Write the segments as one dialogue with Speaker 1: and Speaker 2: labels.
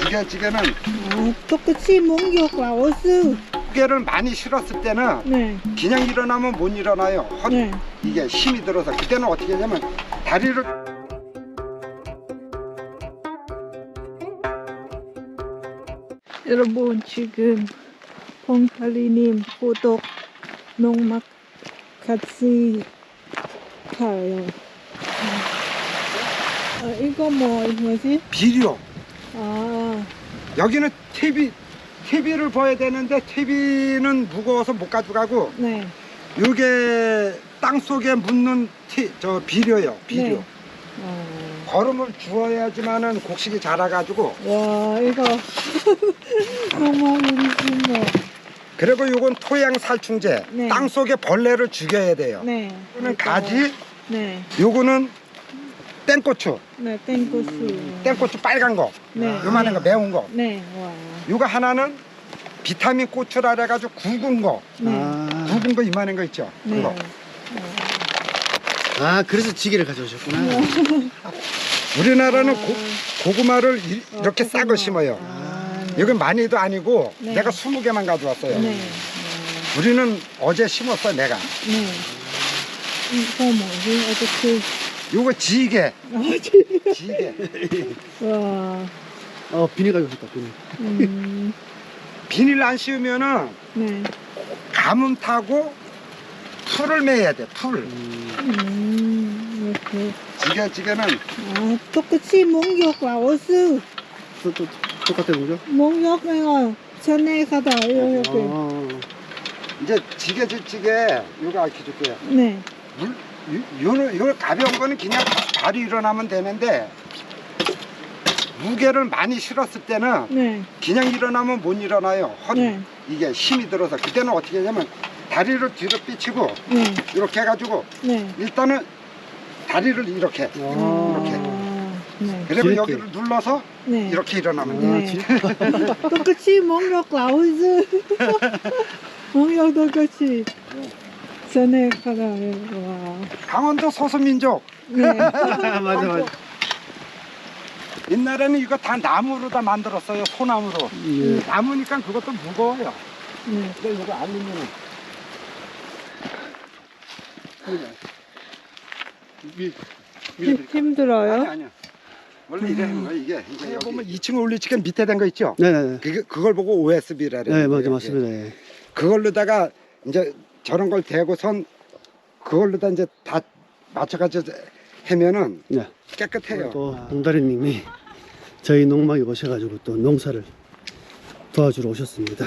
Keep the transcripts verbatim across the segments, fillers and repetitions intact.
Speaker 1: 지게지게는
Speaker 2: 아, 똑같이 목욕 라오스.
Speaker 1: 무게를 많이 실었을 때는
Speaker 2: 네.
Speaker 1: 그냥 일어나면 못 일어나요. 허리
Speaker 2: 네.
Speaker 1: 이게 힘이 들어서 그때는 어떻게 하냐면 다리를
Speaker 2: 여러분 지금 봉팔리님 구독 농막 같이 가요. 아, 이거 뭐 뭐지?
Speaker 1: 비료.
Speaker 2: 아,
Speaker 1: 여기는 티비 티비를 봐야 되는데 티비는 무거워서 못 가져가고
Speaker 2: 네.
Speaker 1: 이게 땅 속에 묻는 티, 저 비료요. 비료.
Speaker 2: 네. 어.
Speaker 1: 거름을 주어야지만은 곡식이 자라가지고.
Speaker 2: 와, 이거 너무 우리 뭐.
Speaker 1: 그리고 이건 토양 살충제.
Speaker 2: 네.
Speaker 1: 땅 속에 벌레를 죽여야 돼요.
Speaker 2: 네.
Speaker 1: 이거는 가지.
Speaker 2: 네.
Speaker 1: 요거는 땡고추.
Speaker 2: 네, 땡고수.
Speaker 1: 땡고추 빨간 거.
Speaker 2: 네.
Speaker 1: 요만한 거 매운 거.
Speaker 2: 네. 와.
Speaker 1: 요거 하나는 비타민 고추라 그래가지고 굵은 거.
Speaker 2: 네.
Speaker 3: 아,
Speaker 1: 굵은 거 이만한 거 있죠.
Speaker 2: 네.
Speaker 1: 그거.
Speaker 3: 아 그래서 지게를 가져오셨구나.
Speaker 1: 우리나라는 고, 고구마를 이,
Speaker 2: 어,
Speaker 1: 이렇게
Speaker 2: 고구마.
Speaker 1: 싹을 심어요.
Speaker 2: 아, 네.
Speaker 1: 이건 많이도 아니고
Speaker 2: 네.
Speaker 1: 내가 스무 개만 가져왔어요.
Speaker 2: 네.
Speaker 1: 우리는 어제 심었어 내가.
Speaker 2: 네. 이거 뭐지? 어떻게?
Speaker 1: 요거 지게.
Speaker 2: 아, 지금.
Speaker 1: 지게.
Speaker 2: 와.
Speaker 3: 어 비닐 가져오셨다 비닐.
Speaker 2: 음.
Speaker 1: 비닐 안 씌우면은
Speaker 2: 네.
Speaker 1: 가뭄 타고 풀을 매야 돼. 풀.
Speaker 3: 음,
Speaker 2: 음. 이렇게.
Speaker 1: 지게 지게는
Speaker 2: 아, 똑같이 목욕 라오스.
Speaker 3: 또, 또 똑같은 거죠?
Speaker 2: 목욕 이거 전에 가다 이렇게.
Speaker 3: 아,
Speaker 1: 이제 지게 지게 요거 알려줄게요.
Speaker 2: 네.
Speaker 1: 물 요- 요는 요 가벼운 거는 그냥 바로 일어나면 되는데 무게를 많이 실었을 때는
Speaker 2: 네.
Speaker 1: 그냥 일어나면 못 일어나요. 허리
Speaker 2: 네.
Speaker 1: 이게 힘이 들어서 그때는 어떻게 하냐면 다리를 뒤로 삐치고
Speaker 2: 네.
Speaker 1: 이렇게 해가지고
Speaker 2: 네.
Speaker 1: 일단은 다리를 이렇게
Speaker 3: 아,
Speaker 2: 아, 네.
Speaker 1: 그리고
Speaker 3: 이렇게.
Speaker 1: 여기를 눌러서
Speaker 2: 네.
Speaker 1: 이렇게 일어나면 돼요.
Speaker 2: 네. 똑같이 목욕 라오스. 목욕 똑같이 전에 가다. 와.
Speaker 1: 강원도 소수민족
Speaker 2: 네.
Speaker 3: 맞아 맞아.
Speaker 1: 옛날에는 이거 다 나무로 다 만들었어요. 소나무로.
Speaker 3: 예.
Speaker 1: 나무니까 그것도 무거워요.
Speaker 2: 네.
Speaker 1: 근데 이거 알루미늄.
Speaker 3: 위,
Speaker 2: 힘, 힘들어요?
Speaker 1: 아니 아니야. 원래 이래 하는 거야 이게. 이게 보면 이 층 올리치가 밑에 된 거 있죠?
Speaker 3: 네네네.
Speaker 1: 그 그걸 보고 오에스비라 그래요.
Speaker 3: 네 맞아
Speaker 1: 이게.
Speaker 3: 맞습니다. 예.
Speaker 1: 그걸로다가 이제 저런 걸 대고선 그걸로다 이제 다 맞춰가지고 하면은
Speaker 3: 네.
Speaker 1: 깨끗해요.
Speaker 3: 또 봉다리님이 저희 농막에 오셔가지고 또 농사를 도와주러 오셨습니다.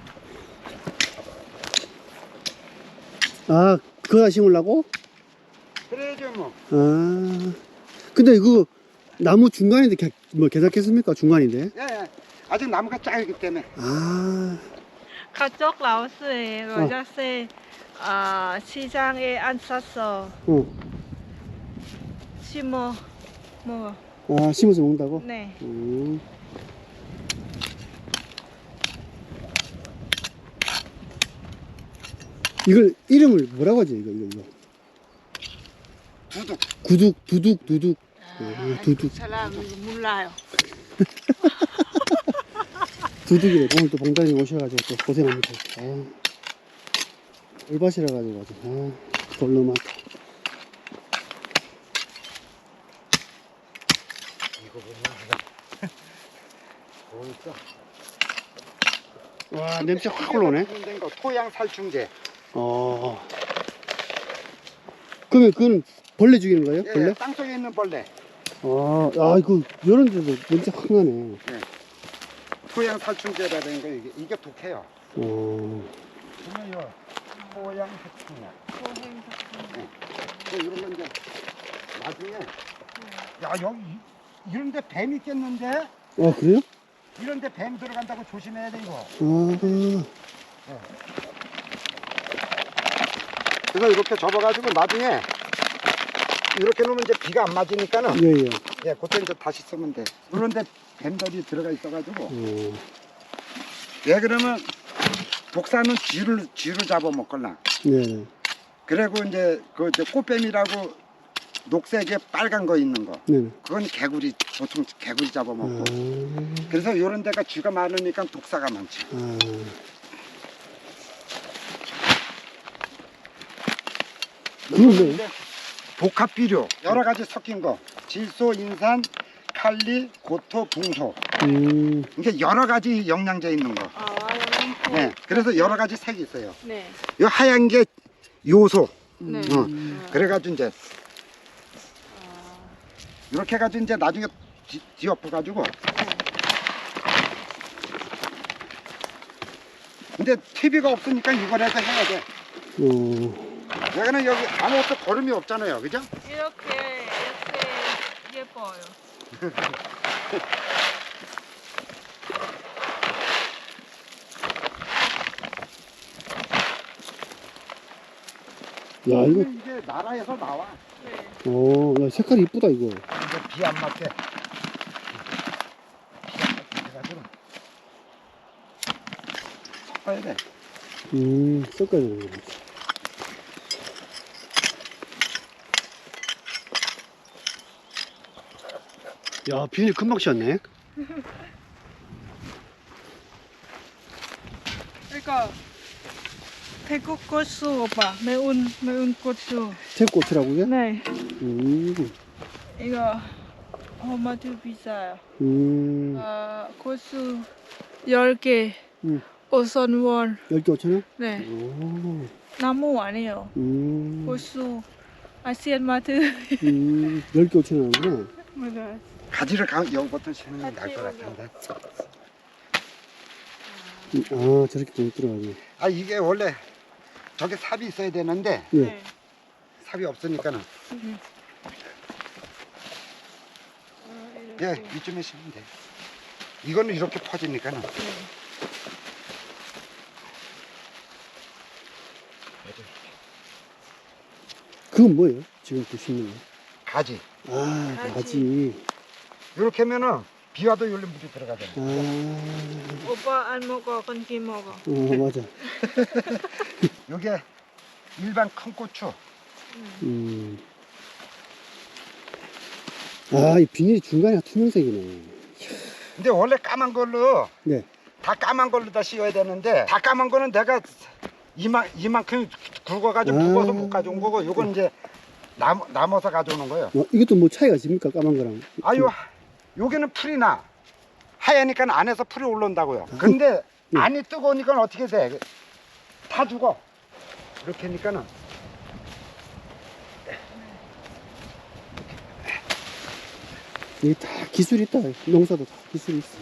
Speaker 3: 아 그거 다 심으려고?
Speaker 1: 그래야죠 뭐.
Speaker 3: 아 근데 이거 나무 중간인데 개, 뭐 개작했습니까? 중간인데?
Speaker 1: 예, 예. 아직 나무가 작기 때문에.
Speaker 3: 아
Speaker 4: 가족 라오스에 로자세 아, 시장에 안 샀어.
Speaker 3: 어.
Speaker 4: 심어 뭐
Speaker 3: 아 심어서 먹는다고?
Speaker 4: 네.
Speaker 3: 음. 이걸 이름을 뭐라고 하지 이거 이거 이거
Speaker 1: 두둑.
Speaker 3: 구둑 두둑 두둑 어, 두둑
Speaker 4: 사람 몰라요.
Speaker 3: 두둑이래. 오늘 또 봉단이 오셔가지고 또 고생합니다. 아, 올밭이라 가지고 아주 아, 돌로 많다.
Speaker 1: 이거 보면 보이죠?
Speaker 3: 와 냄새 확 올라오네.
Speaker 1: 된 거, 토양 살충제.
Speaker 3: 어. 그러면 그건 벌레 죽이는 거예요?
Speaker 1: 예,
Speaker 3: 벌레?
Speaker 1: 예, 땅 속에 있는 벌레.
Speaker 3: 아, 아 이거 이런 데도 냄새 확 나네.
Speaker 1: 토양 살충제라는 거 이게 이게 독해요.
Speaker 3: 어.
Speaker 1: 보면요. 토양 살충약. 네. 이런 건 이제 나중에 야 여기 이- 이런 데 뱀 있겠는데?
Speaker 3: 아 그래요?
Speaker 1: 이런 데 뱀 들어간다고 조심해야 돼 이거.
Speaker 3: 아.
Speaker 1: 그래서 이렇게 접어가지고 나중에 이렇게 놓으면 이제 비가 안 맞으니까는
Speaker 3: 예예.
Speaker 1: 예, 그때 이제 다시 쓰면 돼. 그런데 뱀들이 들어가 있어가지고
Speaker 3: 어.
Speaker 1: 예 그러면 독사는 쥐를 쥐를 잡아 먹걸라.
Speaker 3: 네.
Speaker 1: 그리고 이제 그 이제 꽃뱀이라고 녹색에 빨간 거 있는 거.
Speaker 3: 네네.
Speaker 1: 그건 개구리, 보통 개구리 잡아먹고.
Speaker 3: 아,
Speaker 1: 그래서 이런 데가 쥐가 많으니까 독사가 많지.
Speaker 3: 아, 그건 뭐예요?
Speaker 1: 이제 복합 비료 여러 가지 섞인 거. 질소, 인산, 칼리, 고토, 붕소.
Speaker 3: 음,
Speaker 1: 이게 여러 가지 영양제 있는 거.
Speaker 4: 아, 영양소.
Speaker 1: 네. 그래서 여러 가지 색이 있어요.
Speaker 4: 네.
Speaker 1: 이 하얀 게 요소.
Speaker 4: 네.
Speaker 1: 어. 그래가지고 이제 이렇게 해가지고 이제 나중에 뒤, 뒤엎어가지고. 근데 티비가 없으니까 이거라도 해야 돼.
Speaker 3: 어,
Speaker 1: 여기는 여기 아무것도 거름이 없잖아요, 그죠?
Speaker 4: 이렇게 이렇게 예뻐요.
Speaker 3: 야, 이거,
Speaker 1: 이게 나라에서 나와.
Speaker 4: 네.
Speaker 3: 어, 야, 색깔이 이쁘다, 이거.
Speaker 1: 이제 비 안 맞게. 비 안 맞게 해가지고 섞어야 돼.
Speaker 3: 음, 섞어야 되는 거지. 야, 비닐 금방 씌웠네.
Speaker 4: 이거 태국 고수 오빠 매운 매운 고수.
Speaker 3: 태고추라고 이게?
Speaker 4: 네.
Speaker 3: 음,
Speaker 4: 이거 얼마도 비싸요.
Speaker 3: 음,
Speaker 4: 어, 고수 열 개
Speaker 3: 음.
Speaker 4: 오천 원.
Speaker 3: 열 개 오천 원?
Speaker 4: 네.
Speaker 3: 오,
Speaker 4: 나무 아니에요.
Speaker 3: 음,
Speaker 4: 고수 아시안 마트.
Speaker 3: 음, 열 개 오천 원 하구나.
Speaker 4: 맞아요.
Speaker 1: 가지를 가, 여기부터 치는 게 나을
Speaker 4: 같이
Speaker 1: 것
Speaker 4: 올려.
Speaker 1: 같은데.
Speaker 3: 음, 아, 저렇게 좀 들어가네.
Speaker 1: 아, 이게 원래 저게 삽이 있어야 되는데
Speaker 3: 예.
Speaker 4: 네.
Speaker 1: 삽이 없으니까는
Speaker 4: 음. 아,
Speaker 1: 예,
Speaker 4: 이렇게.
Speaker 1: 이쯤에 심으면 돼. 이거는 이렇게 퍼지니까는.
Speaker 4: 네.
Speaker 3: 그건 뭐예요? 지금 보시는 거?
Speaker 1: 가지.
Speaker 3: 아,
Speaker 4: 가지.
Speaker 3: 가지.
Speaker 1: 이렇게 하면은 비 와도 여기 물이 들어가잖아.
Speaker 3: 아,
Speaker 4: 오빠 안 먹어, 건기 먹어.
Speaker 3: 어, 맞아.
Speaker 1: 요게 일반 큰 고추.
Speaker 3: 음. 아, 이 비닐이 중간에 투명색이네.
Speaker 1: 근데 원래 까만 걸로
Speaker 3: 네.
Speaker 1: 다 까만 걸로 다 씌워야 되는데 다 까만 거는 내가 이만 이만큼 굵어가지고
Speaker 3: 아.
Speaker 1: 무거워서 못 가져온 거고 요건 이제 남, 남아서 가져오는 거예요.
Speaker 3: 어, 이것도 뭐 차이가 있습니까? 까만 거랑.
Speaker 1: 아유, 여기는 풀이 나. 하얘니까 안에서 풀이 올라온다고요. 근데
Speaker 3: 네.
Speaker 1: 안이 뜨거우니까 어떻게 돼? 다 죽어. 이렇게 하니까는.
Speaker 3: 이게 다 기술이 있다. 농사도 다 기술이 있어.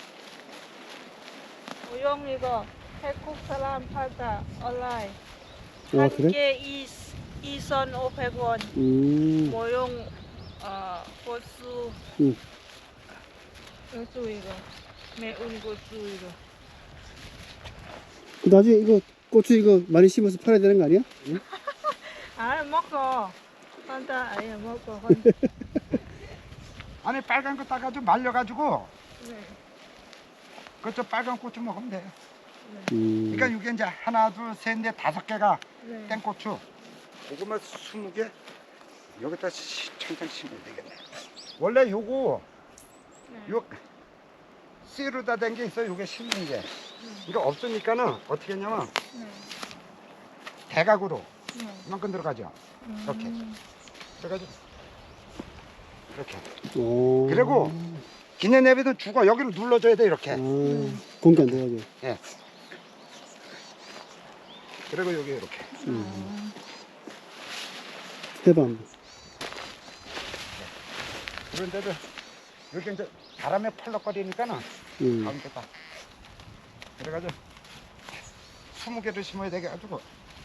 Speaker 4: 모형 이거 태국 사람 팔다 온라인.
Speaker 3: 아,
Speaker 4: 한
Speaker 3: 그래?
Speaker 4: 개 이 이천 오백 원.
Speaker 3: 음,
Speaker 4: 모형 어 고수.
Speaker 3: 음.
Speaker 4: 고수 이거 매운 고수 이거.
Speaker 3: 그 나중에 이거 고추 이거 많이 심어서 팔아야 되는 거 아니야? 응?
Speaker 4: 아 먹어. 한다 아예 먹어.
Speaker 1: 안에 빨간 거 따가지고 말려가지고
Speaker 4: 네.
Speaker 1: 그저 빨간 고추 먹으면 돼요.
Speaker 3: 음.
Speaker 1: 그러니까 이게 이제 하나, 둘, 셋, 넷, 다섯 개가
Speaker 4: 네.
Speaker 1: 땡고추. 고구마 스무 개 여기다 시- 천장 심으면 되겠네. 원래 요거
Speaker 4: 네.
Speaker 1: 요 씨루다 된 게 있어요. 요게 심는 게. 이거 없으니까는 어떻게 했냐면
Speaker 4: 네.
Speaker 1: 대각으로
Speaker 4: 네.
Speaker 1: 이만큼 들어가죠. 이렇게.
Speaker 4: 음.
Speaker 1: 그래가지고 이렇게.
Speaker 3: 오.
Speaker 1: 그리고 기내내비도 죽어. 여기를 눌러줘야 돼 이렇게.
Speaker 3: 아, 공기 안 들어가게.
Speaker 1: 예. 그리고 여기 이렇게.
Speaker 3: 음. 해봐 한번.
Speaker 1: 그런데도 이렇게 이제 바람에 펄럭거리니까는
Speaker 3: 음.
Speaker 1: 가운데 딱. 그래가지고 스무 개를 심어야 되게 가지고.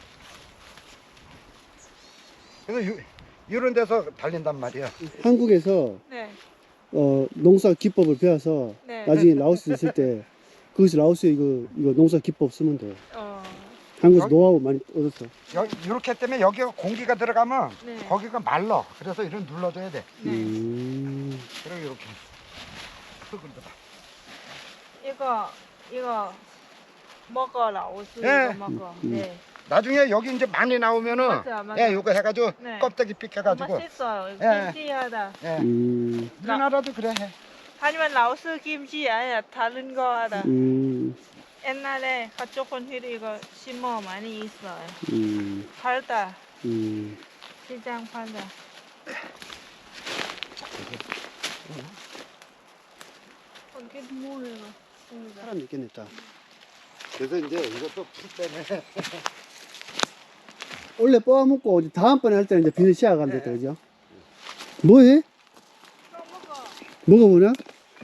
Speaker 1: 그래서 요, 이런 데서 달린단 말이야.
Speaker 3: 한국에서
Speaker 4: 네.
Speaker 3: 어, 농사 기법을 배워서
Speaker 4: 네.
Speaker 3: 나중에 라오스 있을 때 거기서 라오스에 이거 이거 농사 기법 쓰면 돼.
Speaker 4: 어.
Speaker 3: 한국에서
Speaker 1: 여기-
Speaker 3: 노하우 많이 얻었어.
Speaker 1: 여기 이렇게 때문에 여기가 공기가 들어가면
Speaker 4: 네.
Speaker 1: 거기가 말라. 그래서 이런 눌러줘야 돼.
Speaker 4: 네.
Speaker 3: 음.
Speaker 1: 그리고 이렇게 흙을 넣어.
Speaker 4: 이거 이거 먹어 라오스
Speaker 1: 네.
Speaker 4: 이거 먹어.
Speaker 3: 음.
Speaker 4: 네.
Speaker 1: 나중에 여기 이제 많이 나오면은
Speaker 4: 맞아, 맞아.
Speaker 1: 예, 요거 해가지고
Speaker 4: 네.
Speaker 1: 껍데기 삐켜가지고
Speaker 4: 맛있어요.
Speaker 1: 예.
Speaker 4: 김치하다.
Speaker 1: 예.
Speaker 3: 음,
Speaker 1: 우리나라도 그래 해.
Speaker 4: 하지만 라오스 김치 아니야. 다른 거 하다.
Speaker 3: 음,
Speaker 4: 옛날에 가족분들이 이거 심어 많이 있어요.
Speaker 3: 음,
Speaker 4: 팔다.
Speaker 3: 음.
Speaker 4: 시장 팔다. 어떻게 뭐예요?
Speaker 3: 사람 있겠다.
Speaker 1: 그래서 이제 이것도 풀 때문에
Speaker 3: 원래 뽑아먹고 이제 다음번에 할 때는 이제 비닐 씌워가면 됐다, 그죠? 뭐해? 뭐가 뭐냐?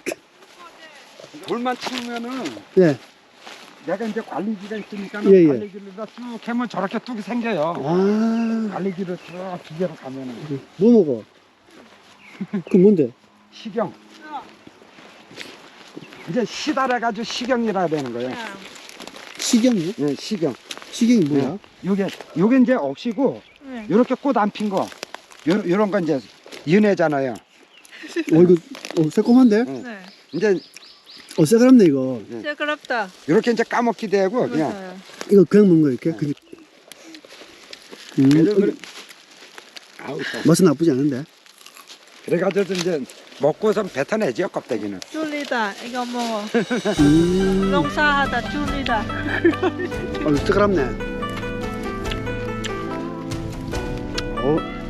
Speaker 1: 돌만 치우면은
Speaker 3: 예.
Speaker 1: 내가 이제 관리기가 있으니까
Speaker 3: 예, 예.
Speaker 1: 관리기를 쭉 캐면 저렇게 뚝이 생겨요.
Speaker 3: 아,
Speaker 1: 관리기를 쭉 기계로 가면은
Speaker 3: 뭐 먹어? 그 뭔데?
Speaker 1: 식용. 이제 시달아가지고 식용이라 되는 거예요.
Speaker 4: 그냥
Speaker 3: 식용이요?
Speaker 1: 예, 식용.
Speaker 3: 식용이 뭐야?
Speaker 1: 요게 요게 이제 억시고
Speaker 4: 네.
Speaker 1: 요렇게 꽃 안 핀 거. 요 요런 건 이제 연애잖아요.
Speaker 3: 어, 이거, 어, 새콤한데?
Speaker 4: 네.
Speaker 1: 이제
Speaker 3: 어, 새까맣네, 이거.
Speaker 4: 시끄럽다.
Speaker 1: 요렇게 이제 까먹기 되고 그냥
Speaker 4: 맞아요.
Speaker 3: 이거 그냥 먹는 거, 이렇게? 그 음,
Speaker 1: 그래서
Speaker 3: 어,
Speaker 1: 그래- 아우 또.
Speaker 3: 맛은 나쁘지 않은데?
Speaker 1: 그래가지고 이제 먹고선 뱉어내지요 껍데기는.
Speaker 4: 줄리다. 이거 먹어.
Speaker 3: 음,
Speaker 4: 농사하다 줄리다.
Speaker 3: 어, 새까맣네. 어,